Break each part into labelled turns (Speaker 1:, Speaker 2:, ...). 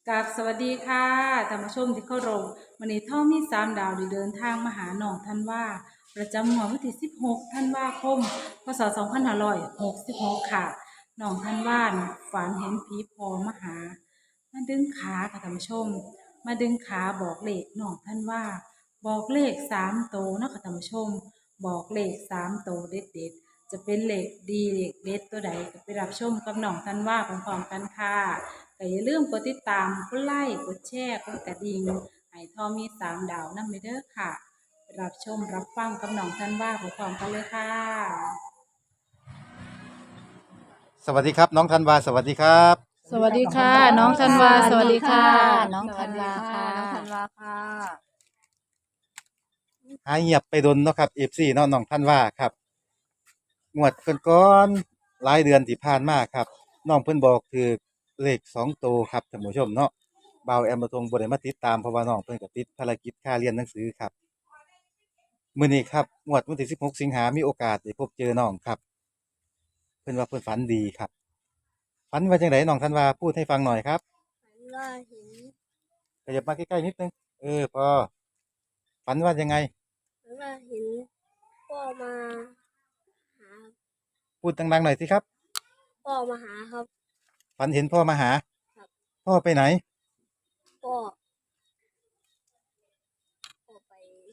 Speaker 1: กับสวัสดีค่ะท่านผู้ชมที่เคารพวันนี้ท่อมี3 ดาวได้เดินทางมาหาน้องท่านว่าประจำงวดวันที่16ธันวาคมพศ2566ค่ะน้องท่านว่าฝันเห็นผีพอมาหามาดึงขาค่ะท่านผู้ชมมาดึงขาบอกเลขน้องท่านว่าบอกเลข3 โตวเนาะค่ะท่านผู้ชมบอกเลข3 โตวเด็ดๆจะเป็นเลขดีเลขเด็ดตัวใดก็ไปรับชมกับน้องท่านว่าพร้อมๆกันค่ะแต่อย่าลืมกดติดตามกดไลค์กดแชร์กดกระดิ่งให้ทอมี3 ดาวนำไปเด้อค่ะไปรับชมรับฟังกับน้องท่านว่าพร้อมๆกันเลยค่ะ
Speaker 2: สวัสดีครับน้องธันวาสวัสดีครับ
Speaker 1: สวัสดีค่ะน้องธันวาสวัสดีค่ะ
Speaker 3: น้องธันวาค่ะ
Speaker 4: น้องธันวาค่ะ
Speaker 2: หายเงียบไปดนเนาะครับเอฟซีเนาะน้องธันวาครับงวดก่อนๆหลายเดือนที่ผ่านมาครับน้องเพิ่นบอกคือเลข2 ตัวครับท่านผู้ชมเนาะบ่าวแอมมาทงบ่ได้มาติดตามเพราะว่าน้องเพิ่นก็ติดภารกิจค่าเรียนหนังสือครับมื้อนี้ครับงวดวันที่16สิงหามีโอกาสได้พบเจอน้องครับเพิ่นว่าเพิ่นฝันดีครับฝันว่าจังไดน้องธันวาพูดให้ฟังหน่อยครับ
Speaker 4: ฝันว่าเห็น
Speaker 2: ขยับมาใกล้ๆนิดนึงพอฝันว่ายังไง
Speaker 4: ฝันว่าเห็นพ่อมาหา
Speaker 2: พูดดังๆหน่อยสิครับ
Speaker 4: พ่อมาหาครับ
Speaker 2: ฝันเห็นพ่อมาหา
Speaker 4: ครับ
Speaker 2: พ่อไปไหน
Speaker 4: พ่อพ่อไป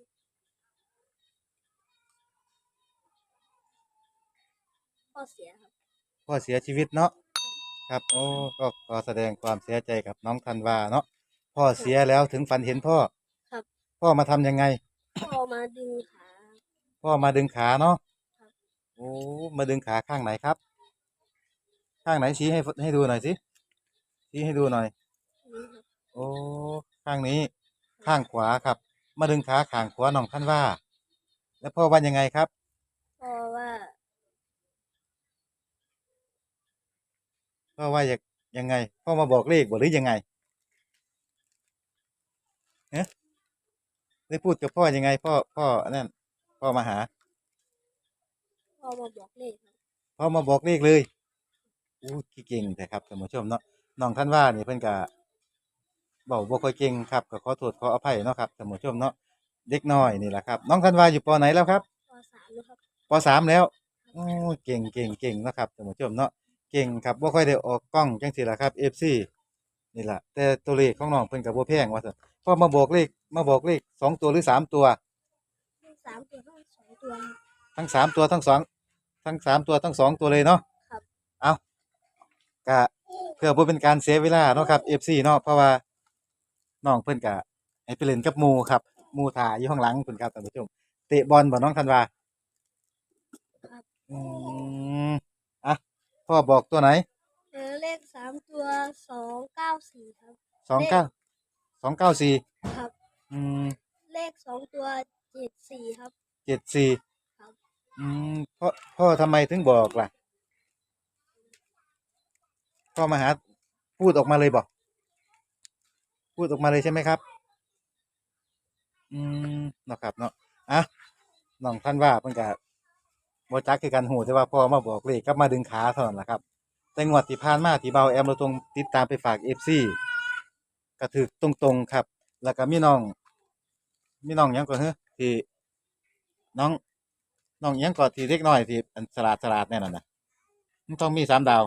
Speaker 4: พ่อเสียครับ
Speaker 2: พ่อเสียชีวิตเนาะครับโอ้ก็ขอแสดงความเสียใจกับน้องธันวาเนาะพ่อเสียแล้วถึงฝันเห็นพ่อ
Speaker 4: ครับ
Speaker 2: พ่อมาทำยังไง
Speaker 4: พ่อมาดึงขา
Speaker 2: พ่อมาดึงขาเนาะ
Speaker 4: ครับ
Speaker 2: โอ้มาดึงขาข้างไหนครับข้างไหนชี้ให้ดูหน่อยสิชี้ให้ดูหน่อย
Speaker 4: นี่ครับ
Speaker 2: โอ้ข้างนี้ข้างขวาครับมาดึงขาข้างขวาน้องธันวาแล้วพ่อว่ายังไงครับ
Speaker 4: พ่อว่า
Speaker 2: พ่อว่ายังไงพ่อมาบอกเลขบ่หรือยังไงเอ๊ะได้พูดกับพ่อยังไงพ่อนั่นพ่อมาหา
Speaker 4: พ่อมาบอกเลขครับ
Speaker 2: พ่อมาบอกเลขเลยอู้ขี้เก่งแต่ครับท่านผู้ชมเนาะน้องธันวานี่เพิ่นก็เว้าบ่ค่อยเก่งครับก็ขอโทษขออภัยเนาะครับท่านผู้ชมเนาะเด็กน้อยนี่แหละครับน้องธันวาอยู่ปไหนแล้วครับ
Speaker 4: ป.3นะครับ
Speaker 2: ป.3แล้วโอ้เก่งเนาะครับท่านผู้ชมเนาะเก่งครับบ่ค่อยได้ออกกล้องจังซี่ล่ะครับ FC นี่ล่ะแต่ตัวเลขของน้องเพิ่นก็บ่แพงว่าซั่นพอมาบอกเลข2 ตัวหรือ3 ตัว
Speaker 4: ทั้ง3 ตัวทั้ง2 ตัว
Speaker 2: ทั้ง3 ตัวทั้ง2ทั้ง3 ตัวทั้ง2 ตัวเลยเนาะ
Speaker 4: ครับ
Speaker 2: เอาก็เพื่อบ่เป็นการเสียเวลาเนาะครับ FC เนาะเพราะว่าน้องเพิ่นก็ให้ไปเล่นกับหมู่ครับหมู่ท่าอยู่ข้างหลังพุ่นครับท่านผู้ชมเตะบอลบ่น้องธันวา
Speaker 4: ครับ
Speaker 2: อืมอ่ะพ่อบอกตัวไหน
Speaker 4: เลข3 ตัว294ครับเลข
Speaker 2: 29 294
Speaker 4: ครับ
Speaker 2: อืม
Speaker 4: เลข2 ตัว74ครับ
Speaker 2: 74
Speaker 4: ครับ
Speaker 2: อืมพ่อทำไมถึงบอกล่ะพ่อมาหาพูดออกมาเลยบ่พูดออกมาเลยใช่ไหมครับอืมเนาะครับเนาะอ่ะน้องธันวาเพิ่นก็บ่จักคือกันฮู้แต่ว่าพ่อมาบอกเลขกลับมาดึงขาเท่านั้นล่ะครับแต่งวดที่ผ่านมาที่เบาแอมเราตรงติดตามไปฝาก FC ก็ถูกตรงๆครับแล้วก็มีน้องหยังก่อนเฮ้อที่น้องน้องหยังก่อนที่เล็กน้อยที่อันสลาดแน่นั่นน่ะมันต้องมี3 ดาว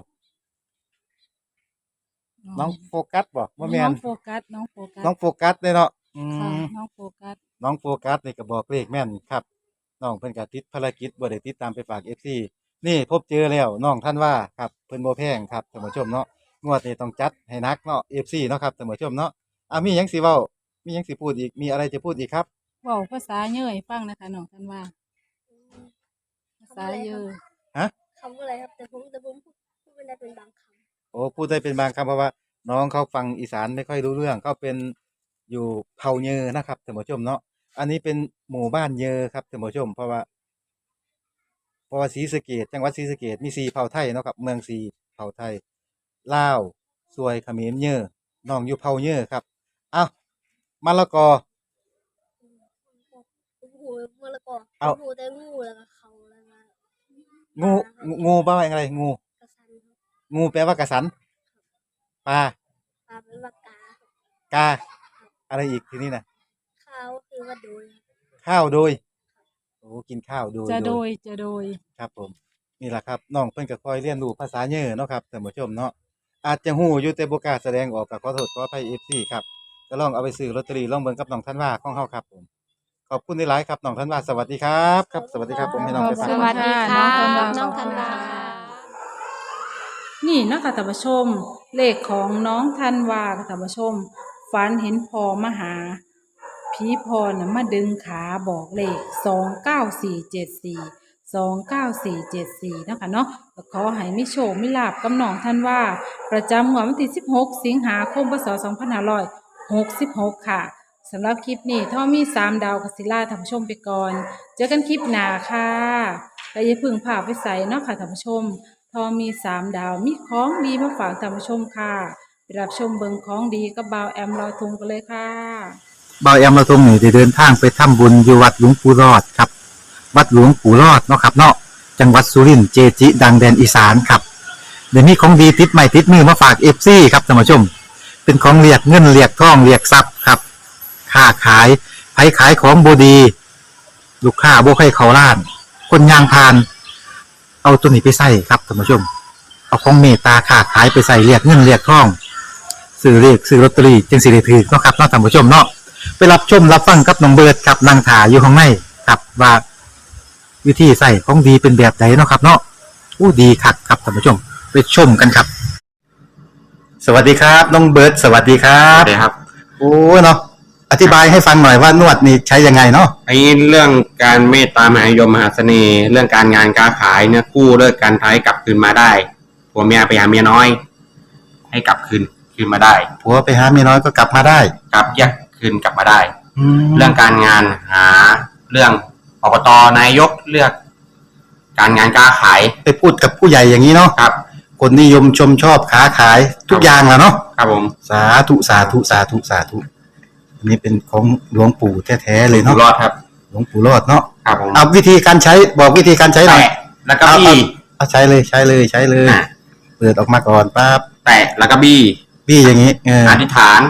Speaker 2: น้องโฟกัสบ่บ่แม่
Speaker 1: น้อ
Speaker 2: น
Speaker 1: งโฟกัสน้องโฟกัส
Speaker 2: น้องโฟกัสเด้เนาะ
Speaker 1: ค่ะน้องโฟกัส
Speaker 2: น้องโฟกัสนี่ก็บอกเลขแม่นครับน้องเพิ่นก็ติดภารกิจบ่ได้ติดตามไปฝาก FC นี่พบเจอแล้วน้องท่านว่าครับเพิ่นบ่แพงครับท่านผู้ชมเนาะงวดนี้ต้องจัดให้หนักเนาะ FC เนาะครับท่านผู้ชมเนาะมีหยังสิเว้ามีหยังสิพูดอีกมีอะไรจะพูดอีกครับ
Speaker 1: เว้าภาษาเหนื่อยฟังนะคะน้องท่านว่าภาษา
Speaker 4: คำอะไรครับ
Speaker 1: เยอะ
Speaker 2: ฮะ
Speaker 4: คำอะไรครับแต่ผมพูดไม่ได้เป็นบางค
Speaker 2: โอ้พูดได้เป็นบางคำเพราะว่าน้องเขาฟังอีสานไม่ค่อยรู้เรื่องเขาเป็นอยู่เผ่าเยอนะครับท่านผู้ชมเนาะอันนี้เป็นหมู่บ้านเยอครับท่านผู้ชมเพราะว่าศรีสะเกษจังหวัดศรีสะเกษมี4 เผ่าไทยเนาะครับเมือง4 เผ่าไทยลาวซวยเขมรเยอน้องอยู่เผ่าเยอครับอ้าวมะละกอ
Speaker 4: ำผมหูมะละกอผ
Speaker 2: เอา
Speaker 4: มหูแต่งูแล้วก็เขาแล้วก็ป
Speaker 2: งู
Speaker 4: ลาครับ
Speaker 2: งูแปลว่าอะไรงู
Speaker 4: กระสันครับ
Speaker 2: งูแปลว่ากระสันปลา
Speaker 4: ปลาเป็นปากกา
Speaker 2: กาอะไรอีกทีนี้นะ
Speaker 4: ข้าวคือว่าโดย
Speaker 2: ข้าวโดยโอ้กินข้าวโดย
Speaker 1: จะ
Speaker 2: โด
Speaker 1: โด
Speaker 2: ย
Speaker 1: ยจะโดย
Speaker 2: ครับผมนี่แหละครับน้องเพิ่นก็คอยเรียนรู้ภาษาเยอะเนาะครับท่านผู้ชมเนาะอาจจะฮู้อยู่แต่บ่กล้าแสดงออกก็ขอโทษขออภัย FC ครับก็ลองเอาไปซื้อลอตเตอรี่ลองเบิ่งกับน้องธันวาของเฮาครับผมขอบคุณหลายๆครับน้องธันวาสวัสดีครับครับสวัสดีครับผมให้น้องไป
Speaker 1: ส
Speaker 2: ฝาก
Speaker 1: วัสดีค่ะ
Speaker 4: น้องธันวา
Speaker 1: นี่นะคะท่านผู้ชม เลขของน้องธันวาค่ะท่านผู้ชมฝันเห็นพอมาหาผีพอน่ะมาดึงขาบอกเลข29474นะคะเนาะก็ขอให้มิโชคมิลาบกับน้องธันวาประจำงวดวันที่16 สิงหาคมพศ2566ค่ะสำหรับคลิปนี้ท่อมี3 ดาวกสิล่าท่านผู้ชมไปก่อน เจอกันคลิปหน้าค่ะและอย่าเพึ่งพาไปใส่เนาะค่ะท่านผู้ชม ทอมี3 ดาวมีของดีมาฝากท่านผู้ชมค่ะไปรับชมเบิงของดีกับบ่าวแอมลอยทุงกันเลยค่ะ
Speaker 2: บ่าวแอมเราตรงนี้ได้เดินทางไปทำบุญอยู่วัดหลวงปู่รอดครับวัดหลวงปู่รอดเนาะครับเนาะจังหวัดสุรินทร์เจจิ ดังแดนอีสานครับเดี๋ยวนี้ของดีติดใหม่ติดมือมาฝาก FC ครับท่านผู้ชมเป็นของเรียกเงินเรียกทองเรียกทรัพย์ครับค้าขายไผขายของบ่ดีลูกค้าบ่ใครเขาล้าน คนยางพาน เอาตัวนี้ไปใส่ครับท่านผู้ชม เอาของเมตตาค้าขายไปใส่เรียกเงินเรียกทองซื้อเลขซื้อลอตเตอรี่จึงสิได้ถือเนาะครับเนาะท่านผู้ชมเนาะไปรับชมรับฟังกับน้องเบิร์ดครับนางถาอยู่ข้างในครับว่าวิธีใส่ของดีเป็นแบบไหนเนาะครับ เนาะอู้ดีคักครับท่านผู้ชม ไปชมกันครับ สวัสดีครับน้องเบิร์ดสวัสดีครั
Speaker 3: ครับ บครับ
Speaker 2: โอ้เนาะอธิบายให้ฟังหน่อยว่านวดนี่ใช้ยังไงเนาะ
Speaker 3: ไอ้เรื่องการเมตตามหานิยมมหาเสน่ห์ เรื่องการงานการขายเนี่ยกู้เลิกการท้ายกลับคืนมาได้ผัวเมียไปหาเมียน้อย ให้กลับคืนมาได้
Speaker 2: ผัวไปหาเมียน้อยก็กลับมาได้
Speaker 3: กลับแยกคืนกลับมาได้
Speaker 2: แล้
Speaker 3: เรื่
Speaker 2: ว
Speaker 3: องการงานหาเรื่องอบตนายกเลือก การงานการขาย
Speaker 2: ไปพูดกับผู้ใหญ่อย่างนี้เนาะ
Speaker 3: ครับ
Speaker 2: คนนิยมชมชอบค้าขายทุกอย่างแหล้วเนาะ
Speaker 3: ครับผม
Speaker 2: สาธุสาธุสาธุสาธุอันนี้เป็นของหลวงปู่แท้ๆเลย
Speaker 3: อยู่
Speaker 2: เนาะ
Speaker 3: รอดครับ
Speaker 2: หลวงปู่รอดเนาะ
Speaker 3: ครับผม
Speaker 2: เอาวิธีการใช้บอกวิธีการใช้หน่อย
Speaker 3: แตะแล้วก็บี้
Speaker 2: เอาใช้เลยใช้เลยใช้เลย
Speaker 3: อ่ะ
Speaker 2: เปิดออกมาก่อนปั๊บ
Speaker 3: แตะแล้วก็บี้
Speaker 2: พี่อย่างนี้อ
Speaker 3: อธิษฐาน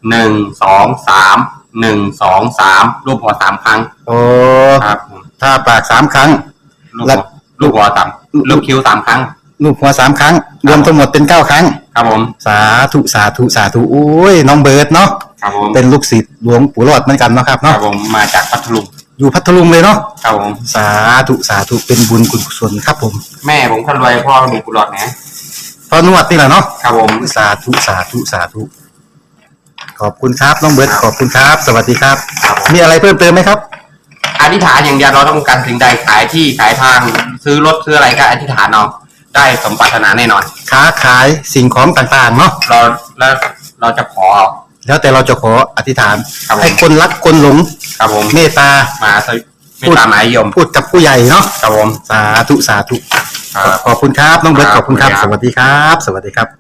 Speaker 3: 1 2 3 1 2 3รูปหัว3ครั้ง
Speaker 2: โอ้
Speaker 3: ครับผม
Speaker 2: ถ้าปาก3 ครั้ง
Speaker 3: ลูก
Speaker 2: แล้
Speaker 3: หั
Speaker 2: ว
Speaker 3: วลูกหัวต่ำลูกคิ้ว3 ครั้ง
Speaker 2: ลูกหัว3 ครั้ง รวมทั้งหมดเป็น9 ครั้ง
Speaker 3: ครับผม
Speaker 2: สาธุสาธุสาธุโอ้ยน้องเบิร์ดเนาะ
Speaker 3: ครับผม
Speaker 2: เป็นลูกศิษย์หลวงปู่รอดเหมือนกันเนาะครับ
Speaker 3: ครั
Speaker 2: เนาะ
Speaker 3: บผมมาจากพัทลุง
Speaker 2: อยู่พัทลุงเลยเนาะ
Speaker 3: ครับผม
Speaker 2: สาธุสาธุเป็นบุญกุศลครับผม
Speaker 3: แม่ผมคนรวยพ่อมีกุหลาบนะ
Speaker 2: พอนวดนี่แหละเนาะ
Speaker 3: ครับผม
Speaker 2: สาธุสาธุสาธุขอบคุณครับน้องเบิร์ดขอบคุณครับ สวัสดีครับ
Speaker 3: ครับผม
Speaker 2: มีอะไรเพิ่มเติมไหมครับ
Speaker 3: อธิษฐานอย่างเดียวเราต้องการสิ่งใดขายที่ขายทางซื้อรถซื้ออะไรก็อธิษฐานเอาได้สมปรารถนาแน่นอน
Speaker 2: ค้าขายสิ่งของต่างๆเนาะ
Speaker 3: เราจะขอ
Speaker 2: แล้วแต่เราจะขออธิษฐาน
Speaker 3: ครับผม
Speaker 2: ให้คนรักคนหลง
Speaker 3: ครับผม
Speaker 2: เมตตา
Speaker 3: มาสวิไม่ตามหมายยม
Speaker 2: พูดกับผู้ใหญ่เนาะ
Speaker 3: ครับผม
Speaker 2: สาธุสาธุ
Speaker 3: ครับ
Speaker 2: ขอบคุณครับน้องเบิร์ต
Speaker 3: ค
Speaker 2: ข
Speaker 3: รับ
Speaker 2: อบคุณครับ
Speaker 3: ขอบ
Speaker 2: ส
Speaker 3: คุณครับ
Speaker 2: วัสดีครับ สวัสดีครับ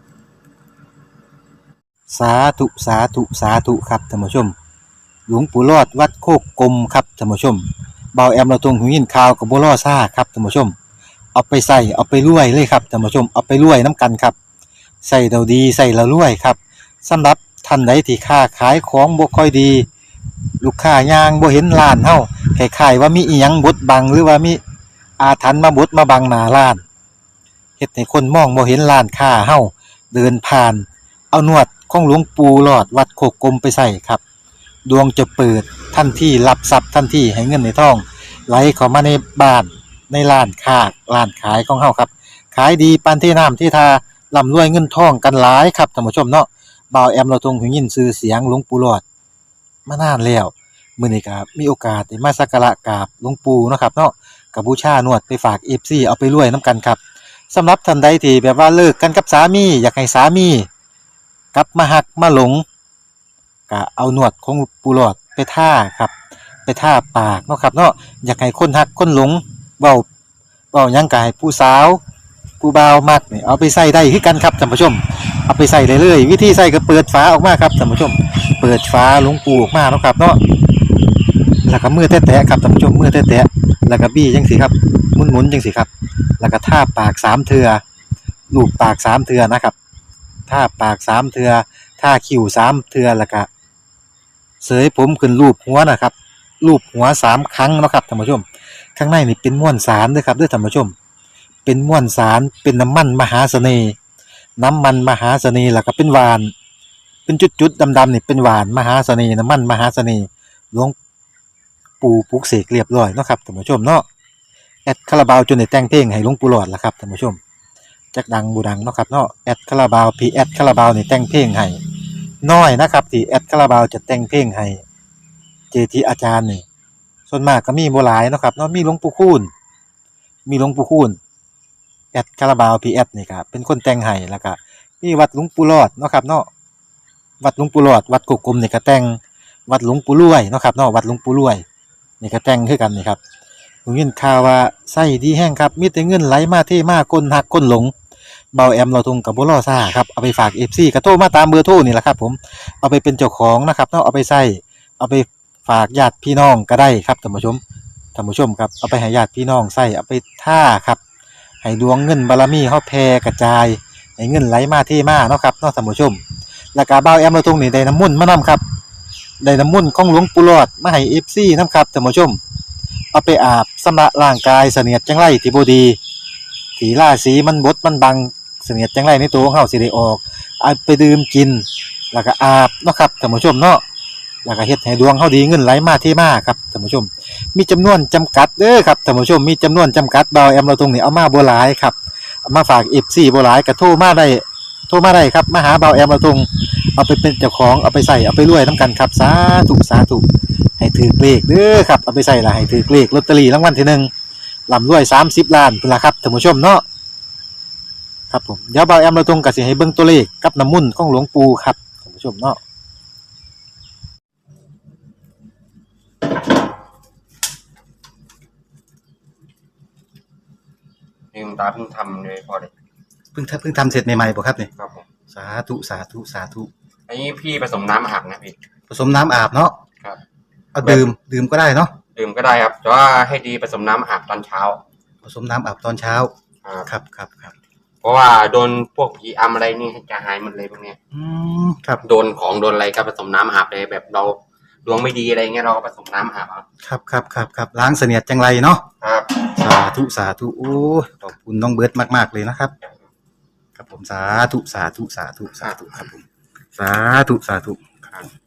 Speaker 2: สาธุสาธุสาธุครับท่านผู้ชม หลวงปู่รอดวัดโคกกลมครับท่านผู้ชมเบาแอมเราตรงหูยินข่าวกับบัวล่อซ่าครับท่านผู้ชม เอาไปใส่เอาไปรวยเลยครับท่านผู้ชมเอาไปรวยน้ำกันครับใส่เราดีใส่เรารวยครับสำหรับท่านใดที่ค้าขายของบ่ค่อยดี ลูกค้ายางบ่เห็นร้านเฮาคล้ายๆว่ามีอีหยังบดบังหรือว่ามีอาถรรพ์มาบดมาบังหน้าร้านเฮ็ดให้คนมองบ่เห็นร้านค้าเฮาเดินผ่าน เอานวดของหลวงปู่หลอดวัดโคกกลมไปใส่ครับดวงจะเปิดทันทีรับทรัพย์ทันทีให้เงินในท้องไหลเข้ามาในบ้านในร้านค้าร้านขายของเฮาครับขายดีปานที่น้ำที่ทาร่ำรวยเงินทองกันหลายครับท่านผู้ชมเนาะบ่าวแอมเราทรงหูยินชื่อเสียงหลวงปู่หลอดมานานแล้วมื้อนี้ก็มีโอกาสได้มาสักการะกราบหลวงปู่เนาะครับเนาะก็บูชานวดไปฝาก FC เอาไปรวยนํกันครับสำหรับท่านใดที่แบบว่าเลิกกันกับสามีอยากให้สามีกลับมาหักมาหลงก็เอานวดของปู่หลอดไปท่าครับไปท่าปากเนาะครับเนาะอยากให้คนหักคนหลงเว้าหยังก็ให้ผู้สาวผู้บ่าวมักนี่เอาไปใส่ได้คือกันครับท่านผู้ชมเอาไปใส่ได้เลยวิธีใส่ก็เปิดฝาออกมาครับท่านผู้ชมเปิดฝาหลวงปู่ออกมาเนาะครับเนาะแล้วก็มือแตะๆครับท่านผู้ชมมือแตะๆแล้วก็บี้จังซี่ครับหมุนๆจังซี่ครับแล้วก็ท่าปาก3เทื่อลูบปาก3เทื่อนะครับท่าปาก3เทื่อท่าคิ้ว3เทื่อแล้วก็เสยผมขึ้นรูปหัวนะครับรูปหัว3ครั้งเนาะครับท่านผู้ชมข้างในนี่เป็นม้วนสารเด้อครับเด้อท่านผู้ชมเป็นม้วนสารเป็นน้ำมันมหาเสน่ห์น้ำมันมหาเสน่ห์แล้วก็เป็นหวานเป็นจุดๆดำๆนี่เป็นหวานมหาเสน่ห์น้ำมันมหาเสน่ห์หลวงปู่ปลุกเสกเรียบร้อยเนาะครับท่านผู้ชมเนาะแอดคาราบาวจนได้แต่งเพลงให้หลวงปู่หลอดล่ะครับท่านผู้ชมจักดังบูดังเนาะครับเนาะแอดคาราบาวพีแอดคาราบาวนี่แต่งเพลงให้น้อยนะครับที่แอดคาราบาวจะแต่งเพลงให้เจทีอาจารย์นี่ส่วนมากก็มีบ่หลายเนาะครับเนาะมีหลวงปู่คูณแอดคาราบาวพีแอดนี่ครับเป็นคนแต่งให้แล้วก็มีวัดหลวงปู่หลอดเนาะครับเนาะวัดหลวงปู่หลอดวัดกุกกลมนี่ก็แต่งวัดหลวงปู่รวยเนาะครับเนาะวัดหลวงปู่รวยนี่ก็แต่งคือกันนี่ครับผมยินข่าวว่าไส้ดีแห้งครับมีแต่เงินไหลมาเทมาก้นหักก้นหลงเบาแอมเราทุงกับบ่รอซ่าครับเอาไปฝาก FC ก็โทรมาตามเบอร์โทรนี่แหละครับผมเอาไปเป็นเจ้าของนะครับเนาะเอาไปใส่เอาไปฝากญาติพี่น้องก็ได้ครับท่านผู้ชมครับเอาไปให้ญาติพี่น้องใส่เอาไปท่าครับให้ดวงเงินบารมีเฮาแผ่กระจายให้เงินไหลมาเทมาเนาะครับเนาะท่านผู้ชมแล้วก็เบาแอมเราทุงนี่ได้น้ำมนต์มานํครับได้น้ำมนต์ของหลวงปู่หลอดมาให้ FC นํครับท่านผู้ชมเอาไปอาบชำระร่างกายเสนียดจังไรที่บ่ดีที่ราศีมันบดมันบังเสนียดจังไรในตัวของเฮาสิได้ออกเอาไปดื่มกินแล้วก็อาบเนาะครับท่านผู้ชมเนาะแล้วก็เฮ็ดให้ดวงเฮาดีเงินไหลมาเทมาครับท่านผู้ชมมีจำนวนจำกัดเด้อครับท่านผู้ชมมีจำนวนจำกัดเบาแอมเราตรงนี้เอามาบ่หลายครับเอามาฝาก FC บ่หลายก็โทรมาได้ครับมาหาเบาแอมเราตรงเอาไปเป็นเจ้าของเอาไปใส่เอาไปรวยนํกันครับสาธุให้ถือเลขเด้อครับเอาไปใส่ละให้ถือเลขลอตเตอรี่รางวัลที่1ร่ำรวย30ล้านพุ่นล่ะครับท่านผู้ชมเนาะครับผมเดี๋ยวเบาแอมเราตรงก็สิให้เบิ่งตัวเลขกับน้ำมุ่นต์ของหลวงปู่ครับท่านผู้ชมเนาะ
Speaker 3: นี่คุณตาเพิ่งทำเลยพอเลย
Speaker 2: เพิ่งทำเสร็จใหม่ๆบ่ครับนี่
Speaker 3: ครับผม
Speaker 2: สาธุ
Speaker 3: อันนี้พี่ผสมน้ำอาบนะพี่
Speaker 2: ผสมน้ำอาบเนาะ
Speaker 3: ครับ
Speaker 2: เอาดื่มก็ได้เนาะ
Speaker 3: ดื่มก็ได้ครับแต่ว่าให้ดีผสมน้ำอาบตอนเช้า
Speaker 2: ผสมน้ำอาบตอนเช้าครับ
Speaker 3: เพราะว่าโดนพวกผีอำอะไรนี่จะหายหมดเลยพวกเนี้ย
Speaker 2: ครับ
Speaker 3: โดนของโดนอะไรก็ผสมน้ำอาบเลยแบบเราดวงไม่ดีอะไรเงี้ยเราก็ผสมน้ำอาบ
Speaker 2: ครับล้างเสนียดจังไรเนาะ
Speaker 3: ครับ
Speaker 2: สาธุโอ้ขอบคุณน้องเบิร์ดมากๆเลยนะครับครับผมสาธุครับผมสาธุครับ